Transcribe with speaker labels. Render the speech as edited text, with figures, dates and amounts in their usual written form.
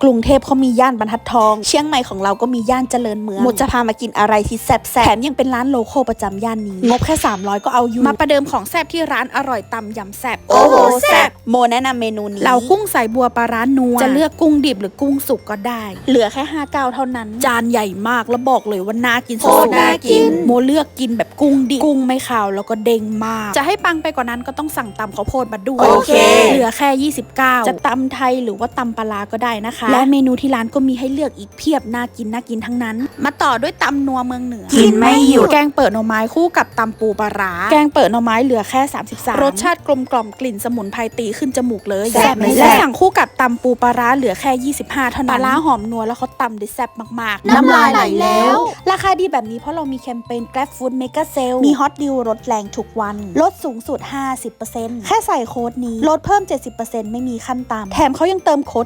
Speaker 1: รุงเทพเขามีย่านบรรทัดทองเชียงใหม่ของเราก็มีย่านเจริญเมืองหมดจะพามากินอะไรที่แซ่บแถมยังเป็นร้านโลคอลประจำย่านนี้งบแค่300ก็เอาอยู่มาประเดิมของแซ่บที่ร้านอร่อยตำยำแซ่บโอ้โหแซ่บโมแนะนำเมนูนี้เรากุ้งใส่บัวปลาร้านัวจะเลือกกุ้งดิบหรือกุ้งสุกก็ได้เหลือแค่59เท่านั้นจานใหญ่มากแล้วบอกเลยว่าน่ากินสุดๆน่ากินโมเลือกกินแบบกุ้งดิบกุ้งไม่ขาวแล้วก็เด้งมากจะให้ปังไปกว่านั้นก็ต้องสั่งตำข้าวโพดมาด้วยโอเคเหลือแค่29จะตำไทยหรือว่าตำปลาก็ได้นะคะและเมนูที่ร้านก็มีให้เลือกอีกเพียบน่ากินทั้งนั้นมาต่อด้วยตำนัวเมืองเหนือกินไม่หยุดแกงเปิดหน่อไม้คู่กับตำปูปลาร้าแกงเปิดหน่อไม้เหลือแค่33รสชาติกลมกล่อมกลิ่นสมุนไพรตีขึ้นจมูกเลยแซ่บไม่แซ่บและสั่งคู่กับตำปูปลาร้าเหลือแค่25เท่านั้นปลาร้าหอมนัวแล้วเขาตำได้แซ่บมากๆน้ำลายไหลแล้วราคาดีแบบนี้เพราะเรามีแคมเปญ Grab Food Mega Sale มีฮอตดีลลดแรงทุกวันลดสูงสุด 50% แค่ใส่โค้ดนี้ลดเพิ่ม 70% ไม่มีขั้นต่ำแถมเขายังเติมโค้ด